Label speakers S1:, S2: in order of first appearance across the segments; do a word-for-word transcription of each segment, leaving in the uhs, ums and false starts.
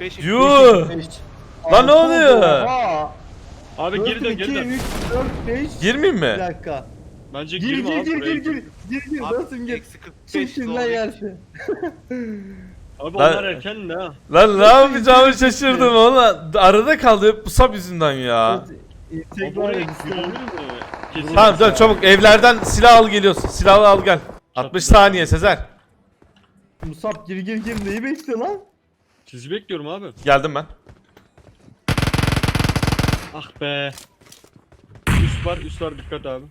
S1: beş.
S2: Yuh! Lan ne oluyor?
S3: Oha!
S4: Abi geri dön, geri
S3: iki,
S4: dön.
S3: üç, dört, beş.
S2: Girmeyeyim
S3: Bir
S2: mi?
S3: dakika.
S4: Bence
S3: Gir
S4: girme
S3: gir
S4: abi
S3: gir
S4: buraya.
S3: gir gir. Gir gir.
S1: Abi,
S3: Nasıl gir?
S1: eksi kırk beş
S3: Çık şimdiden
S1: zor.
S3: yersin.
S4: Abi
S2: Lan-
S4: onlar erken de ha.
S2: Lan ne yapacağımı şaşırdım valla. Arada kaldı bu sap yüzünden ya.
S3: İntek
S4: Abi
S3: var
S4: oraya
S3: ya
S4: girilir
S3: bir
S4: mi? Kesin.
S2: Tamam dön çabuk evlerden silah al geliyorsun. Silahı al gel. altmış saniye Sezer.
S3: Musab gir gir gir neyi bekliyor lan?
S4: Sizi bekliyorum abi.
S2: Geldim ben.
S4: Ah be. Üst var, üst var, dikkat abi.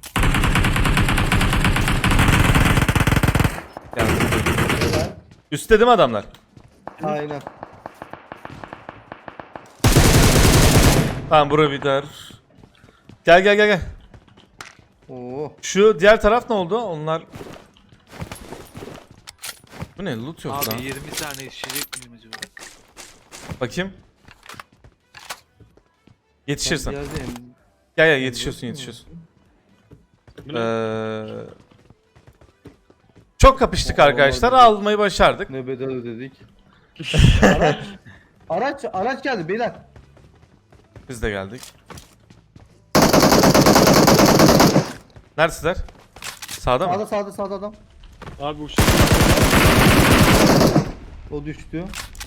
S2: Geldim.
S3: Helal.
S2: Üstte değil mi adamlar?
S3: Aynen.
S2: Tamam bura biter. Gel gel gel gel.
S3: Oo.
S2: Şu diğer taraf ne oldu? Onlar... Bu ne? Loot yok lan.
S1: Abi yirmi tane yetişecek miyim acaba?
S2: Bakayım. Yetişirsin.
S3: Ben bir yerdeyim.
S2: Gel gel yetişiyorsun yetişiyorsun.
S4: Bu ne?
S2: Ee, çok kapıştık
S3: Aa,
S2: arkadaşlar.
S3: vallahi.
S2: Almayı başardık.
S3: Ne bedel ödedik. Araç. Araç araç geldi beyler.
S2: Biz de geldik. Neredeler? Sağda mı?
S3: Sağda sağda sağda adam.
S4: Abi uçtu.
S3: O düştü.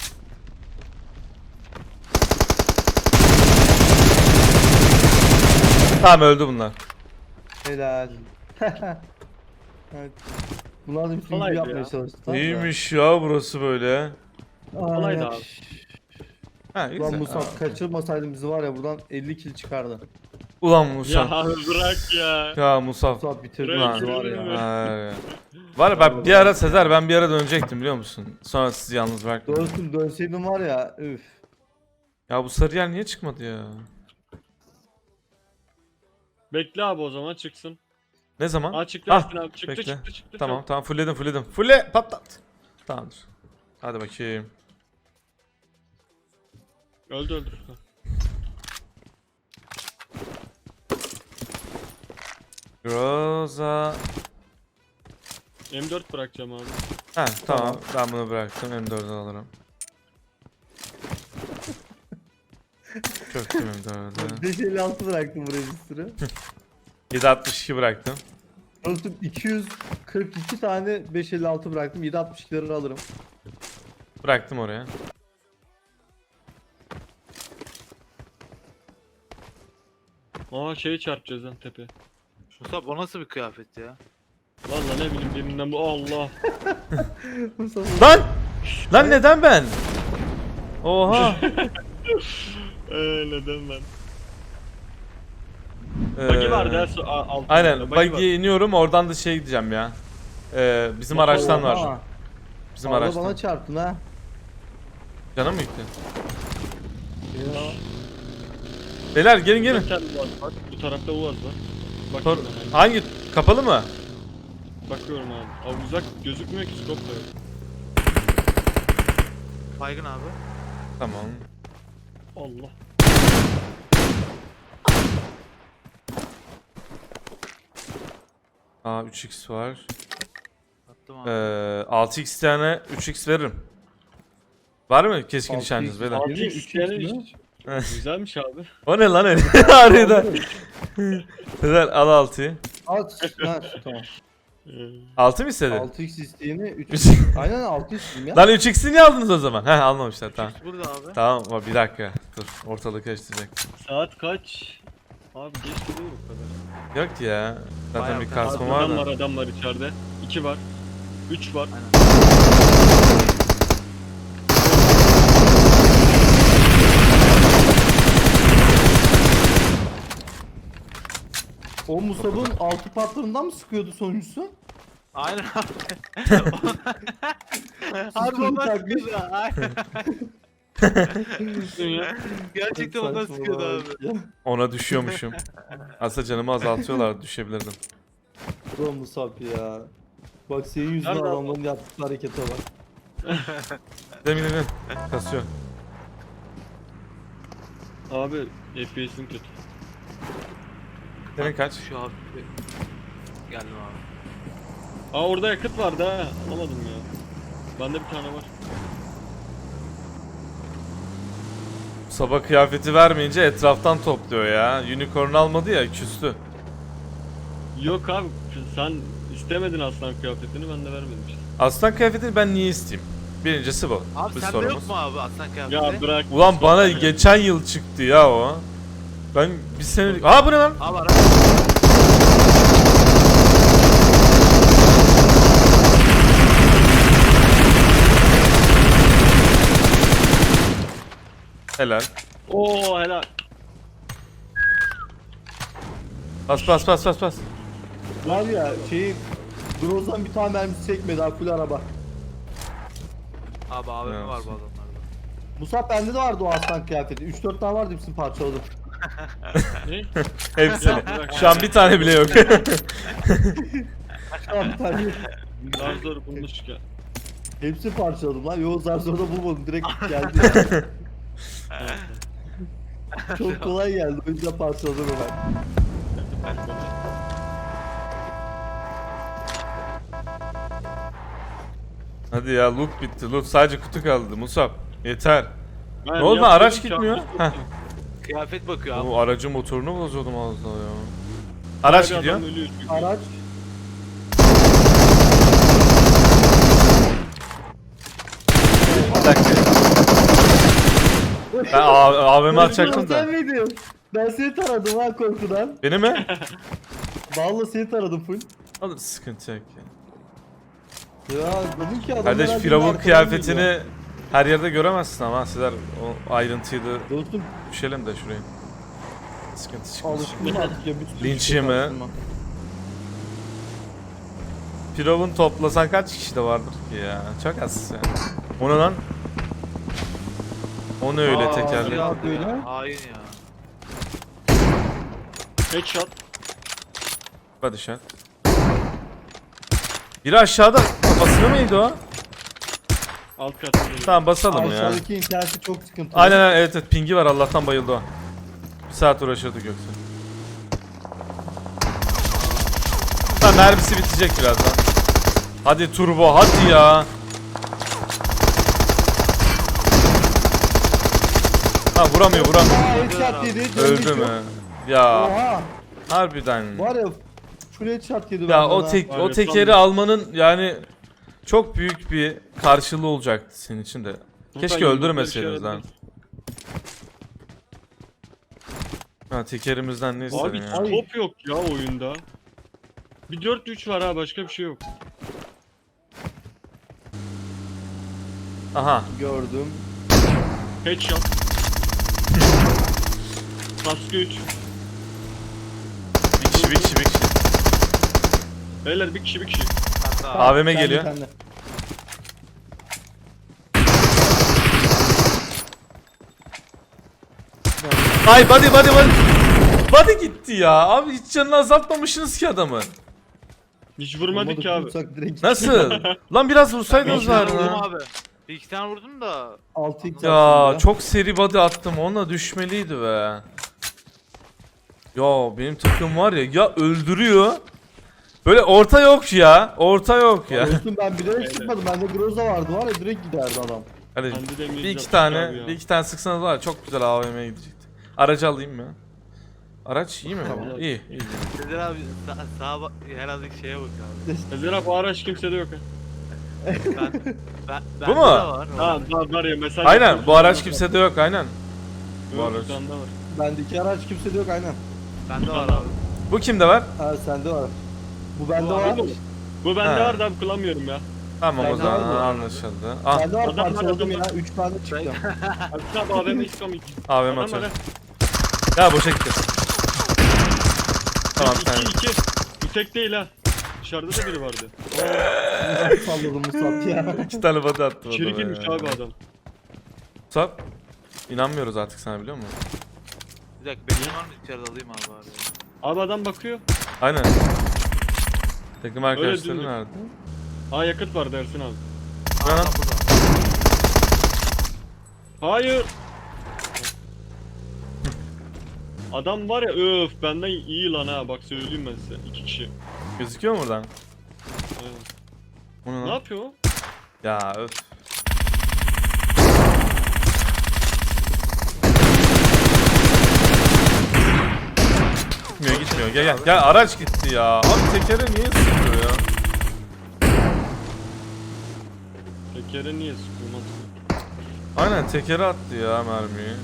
S2: Tamam öldü bunlar.
S3: Helal. Evet. Bunlar da bir sürü
S4: Kolaydı
S3: yapmaya
S4: ya.
S3: çalıştı. tamam da.
S2: İyiymiş ya burası böyle.
S4: Kolaydı
S3: Ay,
S4: abi.
S2: Ha
S3: Lan
S2: güzel.
S3: Musab
S2: Ha.
S3: kaçırmasaydın bizi var ya buradan elli kill çıkardı.
S2: Ulan
S4: Ya
S2: Musa.
S4: abi bırak ya.
S2: Ya Musa.
S3: Musab bitirdi
S4: Bırak,
S3: bizi var ya.
S4: bırak.
S2: Ha. Var ya ben bir ara Sezer ben bir ara dönecektim biliyor musun? Sonra sizi yalnız bıraktım.
S3: Dönsün dönseydim var ya üf.
S2: Ya bu sarı yer niye çıkmadı ya?
S4: Bekle abi o zaman çıksın.
S2: Ne zaman?
S4: Aa çıktı
S2: Ah,
S4: Ersin abi çıktı
S2: bekle.
S4: çıktı çıktı.
S2: Tamam tamam fullledim fullledim. Fulle patlat. Tamamdır. Hadi bakayım.
S4: Öldü öldü.
S2: Rosa.
S4: M dört bırakacağım abi.
S2: Ha tamam ben bunu bıraktım M dördü alırım. Çok M dördü.
S3: beş elli altı bıraktım buraya bir sürü.
S2: yedi altmış iki bıraktım.
S3: Dostum iki yüz kırk iki tane beş elli altı bıraktım. yedi altmış ikileri alırım.
S2: Bıraktım oraya.
S4: Aa şeyi çarpacağız lan tepe.
S1: Musab o nasıl bir kıyafet ya?
S4: Valla ne bileyim birinden bu Allah.
S3: Musab
S2: Lan! Lan neden ben? Oha!
S4: Eee neden ben?
S2: Ee,
S4: Buggy vardı her su a- altında.
S2: Aynen
S4: Buggy var.
S2: buggy'ye iniyorum oradan da şey gideceğim ya. Ee, bizim araçtan var.
S3: Oha,
S2: Bizim
S3: arada
S2: araçtan.
S3: bana çarptın ha.
S2: Canım mı gitti?
S3: Ya.
S2: Beyler gelin
S4: Burada
S2: gelin.
S4: bir tane Uaz var. Bu tarafta Uaz var.
S2: Tor-
S4: Bakıyorum ben.
S2: Hangi? Kapalı mı?
S4: Bakıyorum abi. Abi uzak gözükmüyor ki scope da yok.
S1: Baygın abi.
S2: Tamam.
S4: Allah.
S2: Aa üç x var.
S1: Attım abi.
S2: Ee, altı x tane üç x veririm. Var mı keskin
S3: altı x
S2: nişancınız beyler?
S3: var.
S4: Abi
S3: Yedi,
S4: üç
S3: üç
S4: tane
S3: X mi?
S4: iş- Güzelmiş abi.
S2: O ne lan öyle? Arada. Sezer al altıyı.
S3: At. Ha, tamam.
S4: Ee,
S2: altı mı istedin?
S3: altı x isteyeni üç.
S2: Üç-
S3: Aynen altı istedim ya.
S2: Lan üç x'i niye aldınız o zaman? Heh almamışlar tamam.
S1: Burada abi.
S2: Tamam ama bir dakika. Dur ortalığı karıştıracak.
S4: Saat kaç? Abi geç değil bu kadar.
S2: Yok ya. Zaten
S1: Bayağı
S2: bir
S1: bir-
S2: kasma
S4: Abi
S2: var
S4: adam var
S2: da.
S4: adam var içeride. İki var. Üç var.
S1: Aynen.
S3: O Musab'ın altı patlarından mı sıkıyordu sonuncusu?
S1: Aynen abi. Harbi
S3: Sıkıyordu
S1: ondan
S3: takmış.
S1: sıkıyordu ha. Aynen.
S4: Ya.
S1: Gerçekten ondan sıkıyordu abi.
S3: Ya.
S2: Ona düşüyormuşum. Aslında canımı azaltıyorlar düşebilirdim.
S3: Ulan Musab ya. Bak senin yüzünden
S4: Nerede
S3: adamların yaptığı harekete bak.
S2: Demin demin. Kasıyor.
S4: Abi F P S'in kötü.
S2: Senin kaç?
S1: Şu hafif bir... Geldim abi.
S4: Aa orada yakıt vardı ha. Alamadım ya. Bende bir tane var.
S2: Sabah kıyafeti vermeyince etraftan topluyor ya. Unicorn almadı ya, küstü.
S4: Yok abi sen istemedin aslan kıyafetini ben de vermedim işte.
S2: Aslan kıyafetini ben niye isteyeyim? Birincisi bu.
S1: Abi
S2: bir
S1: sende
S2: sorumuz.
S1: yok mu abi aslan kıyafeti?
S4: Ya bırak.
S2: Ulan bana geçen yıl çıktı ya o. Ben bir sene... Aa bu ne lan?
S1: Abi ara.
S2: Helal.
S4: Oo helal.
S2: Bas bas bas bas bas.
S3: Var ya şeyin Groz'dan bir tane mermisi çekmedi ha, full araba.
S1: Abi A V M
S2: Ne
S1: var
S2: olsun?
S1: bu adamlarda.
S3: Musab bende de vardı o aslan kıyafeti. üç dört tane vardı, hepsini parçaladım.
S4: Ne?
S2: Hepsini.
S4: Ya bırak.
S2: Şu an bir tane bile yok.
S3: Şu an bir tane yok.
S4: Zar zor bulmuştuk ya.
S3: Hepsini parçaladım lan. Yo zar zor da bulmadım. Direkt geldi. Çok kolay geldi. O yüzden parçaladım hemen.
S2: Hadi ya, loot bitti. Loot sadece kutu kaldı. Musab. Yeter.
S4: Ben
S2: Ne oldu,
S4: yapmadım
S2: araç
S4: ki,
S2: gitmiyor?
S4: yapmadım.
S2: Heh.
S1: Kıyafet bakıyor abi.
S2: Bu aracın motorunu bozuyordum az daha ya. Araç
S4: Bir
S2: gidiyor.
S4: adam ölüyor çünkü.
S3: Araç.
S2: Bir dakika. Ben A- AVM atacaktım da.
S3: Sen miydin? Ben seni taradım ha korkudan.
S2: Beni mi?
S3: Vallahi seni taradım full.
S2: Alır, sıkıntı yok ya.
S3: Ya dedim ki adam
S2: Kardeş
S3: herhalde
S2: Firavun
S3: arkadan
S2: kıyafetini
S3: geliyor.
S2: her yerde göremezsin ama sizler o ayrıntıyı da
S3: Dostum
S2: düşelim de şuraya. Sıkıntı çıkmasın.
S3: alışkın artık ya. bir sürü
S2: Linç
S3: şey
S2: yeme.
S3: karşıma.
S2: Firavun toplasan kaç kişi de vardır ki ya? Çok az yani. O ne lan? O ne öyle
S3: Aa,
S2: tekerlek?
S3: ya. böyle.
S1: Hain ya.
S4: Headshot.
S2: Hadi şart. Biri aşağıda. Kafasına mıydı o?
S4: Alt kat.
S2: Tamam basalım ya.
S3: Aşağıdaki interneti çok sıkıntılı.
S2: Aynen aynen, evet evet, pingi var, Allah'tan bayıldı o. Bir saat uğraşırdık yoksa. Tamam, mermisi bitecek birazdan. Hadi turbo, hadi ya. Ha vuramıyor vuramıyor.
S3: Aa headshot yedi. canı
S2: Öldü
S3: bitiyor.
S2: mü? Ya
S3: Oha.
S2: harbiden.
S3: Var ya full headshot yedi
S2: Ya
S3: benden
S2: o
S3: ha.
S2: tek o
S4: Aynen,
S2: tekeri
S4: tam-
S2: almanın yani çok büyük bir karşılığı olacaktı senin için de. Keşke öldürmeseydiniz lan. Ha tekerimizden ne
S4: Abi
S2: istedim
S4: hiç
S2: ya.
S3: Ay.
S4: top yok ya oyunda. Bir dört üç var ha başka bir şey yok.
S2: Aha.
S3: Gördüm.
S4: Headshot. Kaskı üç.
S2: Bir kişi bir kişi bir kişi.
S4: Beyler bir kişi bir kişi.
S1: Hatta
S2: A V M
S3: Sen de,
S2: geliyor.
S3: sen de.
S2: Ay body body body. Body gitti ya. Abi hiç canını azaltmamışsınız ki adamı.
S4: Hiç vurmadık ki abi.
S3: Vursak direkt
S2: Nasıl? Lan biraz
S1: bir
S2: vursaydınız
S1: iki tane
S2: var
S1: vurdum
S2: ya.
S1: abi. Bir iki tane vurdum da.
S3: altı x
S2: Ya çok seri body attım, onunla düşmeliydi be. Ya benim takım var ya, ya öldürüyor. Böyle orta yok ya. Orta yok ya.
S3: Dostum ben bilerek sıkmadım. Bende Groza vardı var ya, direkt giderdi adam.
S2: Hadi
S4: Bende de
S2: bir
S4: İngilizce
S2: iki tane,
S4: abi ya.
S2: bir iki tane sıksanız var ya, çok güzel A V M'ye gidecekti. Aracı alayım mı? Araç iyi mi?
S3: Tamam.
S2: İyi, iyi.
S1: Sezer abi sağ, sağa bak, herhalde şeye bak abi.
S4: Ezer abi o araç kimsede yok ha.
S1: Ben, ben,
S2: Bu
S1: bende
S2: mu?
S1: de var.
S4: Ha var, var ya mesaj.
S2: Aynen,
S4: yapıyorsun,
S2: bu araç
S4: yok.
S2: kimsede yok, aynen. bu
S4: Yok,
S2: araç.
S4: sende var.
S3: Bende iki araç kimsede yok aynen.
S1: Bende var abi.
S2: Bu kimde var?
S3: Ha sende var. Bu bende
S4: Bu
S3: var.
S4: abi- Bu bende
S2: Ha.
S4: var da abi kullanmıyorum ya.
S2: Tamam o
S3: Bende
S2: zaman
S3: var mı?
S2: anlaşıldı. Ah,
S3: Bende var,
S4: Adam var,
S3: parçaladım
S4: adam
S3: ya. üç tane çıktı.
S4: Abi abi A V M iskomik.
S2: A V M
S4: Adam var
S2: atıyorum.
S4: ha.
S2: Ya boşa gitti. Tamam
S4: İki,
S2: sen.
S4: iki. Bu tek değil ha. Dışarıda da biri vardı.
S3: Salladım Musab ya.
S2: İki tane body attı.
S4: İçeri girmiş abi adam.
S2: Sap. İnanmıyoruz artık sana, biliyor musun?
S1: Bir dakika benim var mı içeride alayım abi bari.
S4: Abi adam bakıyor.
S2: Aynen. Takım arkadaşları
S4: dümdüz.
S2: nerede?
S4: Aa yakıt var dersin abi.
S2: Ne lan?
S1: Aa, burada.
S4: Hayır. Adam var ya öf benden iyi lan ha bak söyleyeyim ben size. İki kişi.
S2: Gözüküyor mu buradan?
S4: Evet.
S2: O ne
S4: Ne
S2: lan?
S4: yapıyor o?
S2: Ya öf. Gitmiyor gitmiyor. Gel gel. Gel araç gitti ya. Abi tekere niye sıkıyor ya?
S4: Tekere niye sıkılmaz?
S2: Aynen tekere attı ya mermiyi.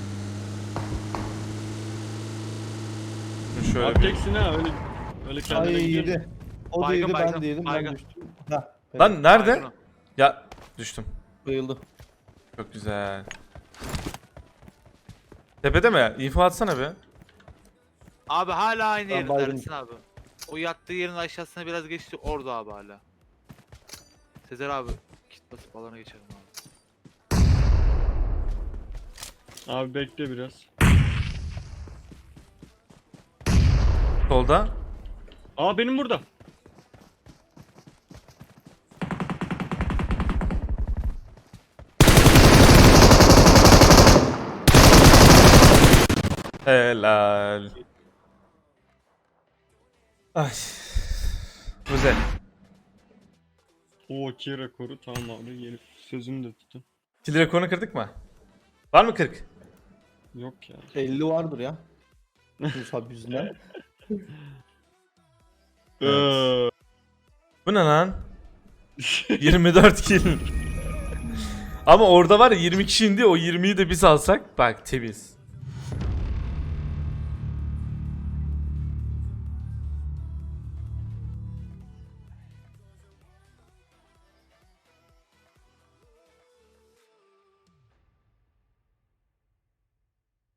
S2: Şimdi şöyle
S4: Abi
S2: bir...
S4: teksin ha öyle öyle kendine
S3: Ay
S4: gidiyor.
S3: yedi. O da
S1: Baygın,
S3: yedi ben
S1: baygın,
S3: de yedim ben
S1: baygın.
S3: düştüm. Heh, evet,
S2: Lan nerede?
S1: Baygın o.
S2: Ya düştüm.
S3: bayıldı.
S2: Çok güzel. Tepede mi? İnfo atsana be.
S1: Abi hala aynı
S3: Ben
S1: yerde
S3: baygın.
S1: Ersin abi. O yattığı yerin aşağısına biraz geçti orada abi hala. Sezer abi kit basıp alana geçelim abi.
S4: Abi bekle biraz.
S2: Solda.
S4: Aa benim burada.
S2: Helal. Ay. Güzel.
S4: O iki rekoru tamam abi gelip sözümü de tutun.
S2: Kill rekorunu kırdık mı? Var mı kırk?
S4: Yok ya.
S3: elli vardır ya. Musab yüzünden.
S4: Eee,
S2: Bu ne lan? yirmi dört kill. Ama orada var ya yirmi kişi indi, o yirmiyi de biz alsak bak temiz.